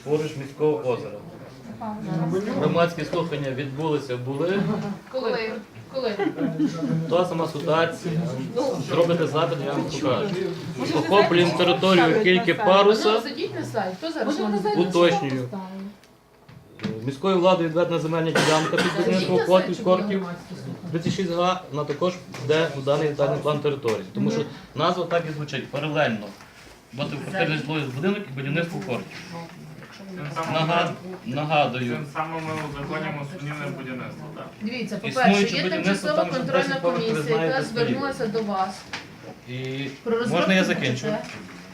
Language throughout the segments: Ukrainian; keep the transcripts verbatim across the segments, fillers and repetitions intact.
поруч міського озера. Громадські слухання відбулися, були. Коли? Коли? Та сама ситуація. Зробите запит, я вам покажу. Охоплюємо територію тільки паруса. Зайдіть на сайт. Хто зараз? Уточнюю. Міською владою відведена земельна ділянка під будівництво корків тридцять шість га, вона також йде у даний детальний план території. Тому що назва так і звучить паралельно. Багатоквартирний житловий будинок і будівництво корків. Нагад... Нагадую. Тим самим ми узаконюємо сумнівне будівництво, так? Дивіться, по-перше, Існуюче є будівництво, тимчасова там вже контрольна десять поверхів, ви комісія, яка знаєте, стоїть. звернулася до вас. І Про розробку можна я закінчу? ДТП.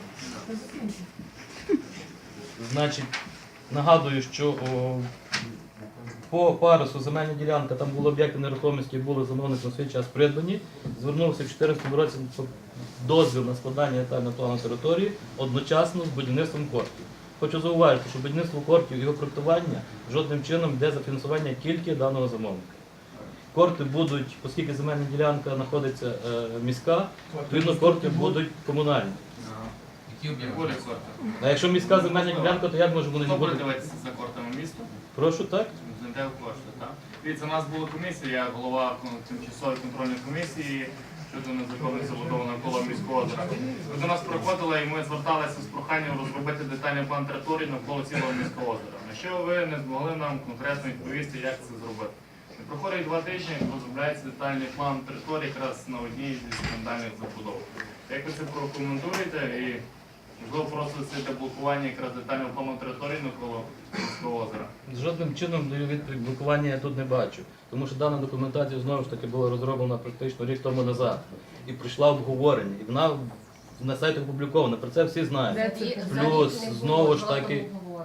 Значить, нагадую, що о, по парусу земельна ділянка, там були об'єкти нерухомості, були замовником на свій час придбані. Звернувся в дві тисячі чотирнадцятому році дозвіл на складання детального плану території одночасно з будівництвом кортів. Хочу зауважити, що будівництво кортів і його проектування жодним чином йде за фінансування тільки даного замовника. Корти будуть, оскільки земельна ділянка знаходиться е, міська, відповідно корти будуть комунальні. Буде корти. А якщо міська земельна ділянка, то як може вони не Хто буде бути? дивитися за кортами міста? Прошу, так? Знайде кошти, так? Дивіться, у нас була комісія, я голова тимчасової контрольної комісії щодо незаконної забудови навколо міського озера. Ви до нас приходили і ми зверталися з проханням розробити детальний план території навколо цілого міського озера. На що ви не змогли нам конкретно відповісти, як це зробити? І проходить два тижні, розробляється детальний план території якраз на одній зі скандальних забудов. Як ви це прокоментуєте і можливо просто це блокування якраз детального плану території навколо міського озера? Жодним чином даю відповідь, блокування я тут не бачу. Тому що дана документація знову ж таки була розроблена практично рік тому назад. І пройшла обговорення. І вона на сайтах опублікована. Про це всі знають. Плюс, знову ж таки,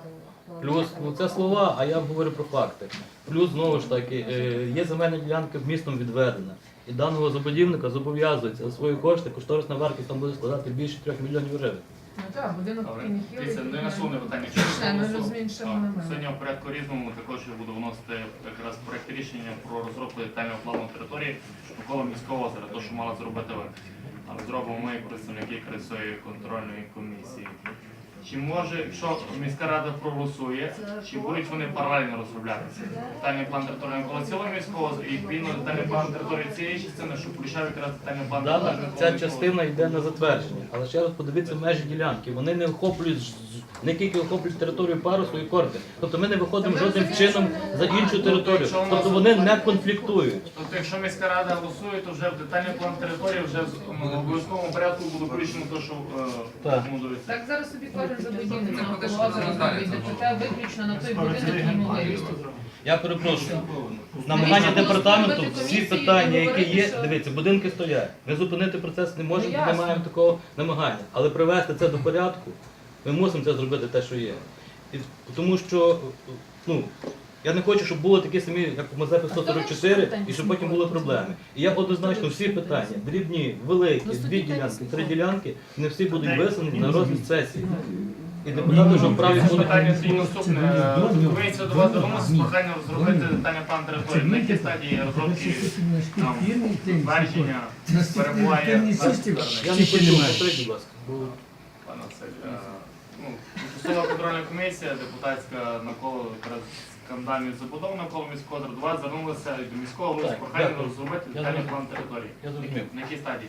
плюс, ну це слова, а я говорю про факти. Плюс, знову ж таки, е, є земельна ділянка містом відведена. І даного забудівника зобов'язується за свої кошти, кошторисна вартість там буде складати більше трьох мільйонів гривень. Ну так, будинок Добре. Кінхіл. Дивіться, не наступне питання. Ще, ми розуміємо, що ми маємо. Сьогодні в порядку різному також я буду вносити якраз проект рішення про розробку детального плану території навколо міського озера, то, що мала зробити ви. Але зробимо ми, представники якраз цієї контрольної комісії. Чи може, якщо міська рада проголосує, чи будуть вони паралельно розроблятися? Детальний план території навколо цілого міського озера і відповідно детальний план території цієї частини, що включав якраз детальний план Дана, території навколо ця міського частина йде на затвердження. Але ще раз подивіться межі ділянки. Вони не охоплюють ж- не тільки охоплюють територію парусу і корти. Тобто ми не виходимо жодним чином за іншу територію. Тобто вони не конфліктують. Тобто, якщо міська рада голосує, то вже в детальний план території вже в ну, обов'язковому порядку буде включено те, що Так. рекомендується. Так зараз собі кожен забудівник навколо озера зробить ДТП виключно на той будинок і можливість. Я перепрошую. Намагання департаменту, всі питання, які є, дивіться, будинки стоять. Ми зупинити процес не можемо, Ну, не ясно. маємо такого намагання. Але привести це до порядку, ми мусимо це зробити те, що є. І, тому що, ну, я не хочу, щоб було такі самі, як у Мазепи сто сорок чотири, і щоб потім були проблеми. І я однозначно всі питання, дрібні, великі, дві ділянки, три ділянки, не всі будуть висунені на розгляд сесії. І депутати вже вправі Це будуть... питання тоді наступне. Комісія до вас звернулася з проханням розробити детальний план території. На якій стадії розробки там, звердження перебуває наше звернення? Я не хочу, повторіть, будь ласка. бо Пане Василь, е, ну, тимчасова контрольна комісія, депутатська навколо якраз скандальних забудов навколо міського озера, до вас звернулися і до міського голови з Так, проханням дякую. розробити Я детальний зрозумів. план території. Я зрозумів. На якій стадії?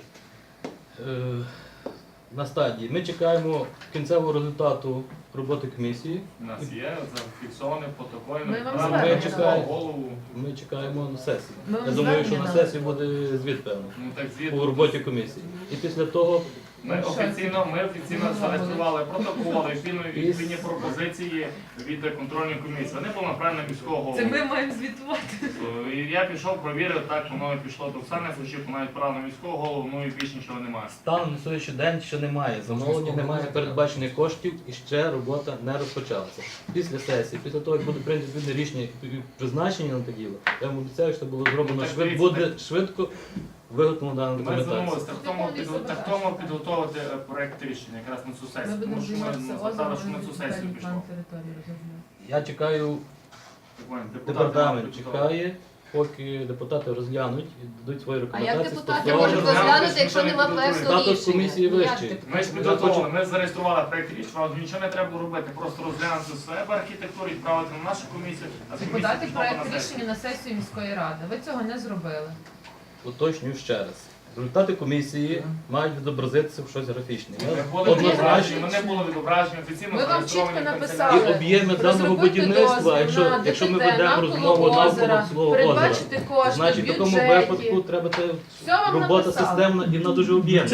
Е, на стадії. Ми чекаємо кінцевого результату роботи комісії. У нас є зафіксований протокол, Ми вам направлений звернемо. міського голову. Ми чекаємо на сесію. Ми вам Я думаю, що на звернення сесії буде звіт певно Ну так звіт. по роботі комісії. І після того Ми офіційно, ми офіційно зареєстрували протоколи, відповідні відповідні пропозиції від контрольної комісії. Вони були направлені міського голову. Це ми маємо звітувати. І я пішов, провірив, так воно і пішло до Оксани Фущук, вона відправила міського голову, ну і більше нічого немає. станом на сьогоднішній день ще немає. Замовлення немає передбачених коштів і ще робота не розпочалася. Після сесії, після того, як буде прийнято відповідне рішення і призначення на те діло, я вам обіцяю, що це було зроблено Ну, так швидко, дивіться, буде швидко виготовлено дана Ми документація. звернулися так тому, підго- так тому підготувати е, проект рішення якраз на цю Ми сесію, будемо тому що ми займатися звертали, озером, що на цю сесію детальний пішло. план території розробляти. Я чекаю, Так, Вань, депутати департамент нам підготували. чекає, поки депутати розглянуть і дадуть свої А як рекомендації. депутати стосовно- можуть Розглянути, розглянути, якщо ніхто не нема підготує. проекту Статус рішення? комісії Ну, як вищий. депутати? Ми ж підготовили, ми зареєстрували проєкт рішення, вам нічого не треба було робити, просто розглянути себе архітектуру, відправити на нашу комісію, а з Це комісії подати пішло на проект сесію. рішення на сесію міської ради. Ви цього не зробили. Уточнюю ще раз. Результати комісії мають відобразитися в щось графічне. Ми Я були однозначно відображені, вони були відображені офіційно Ми вам зареєстровані чітко в написали. канцелярії. і об'єми даного Розробити будівництва, дозвіл якщо, на якщо ми ДТТ, ведемо навколо розмову озера, навколо свого озера, передбачити кошти в значить в такому бюджеті. випадку треба те Все вам робота написали. системна і вона дуже об'ємна.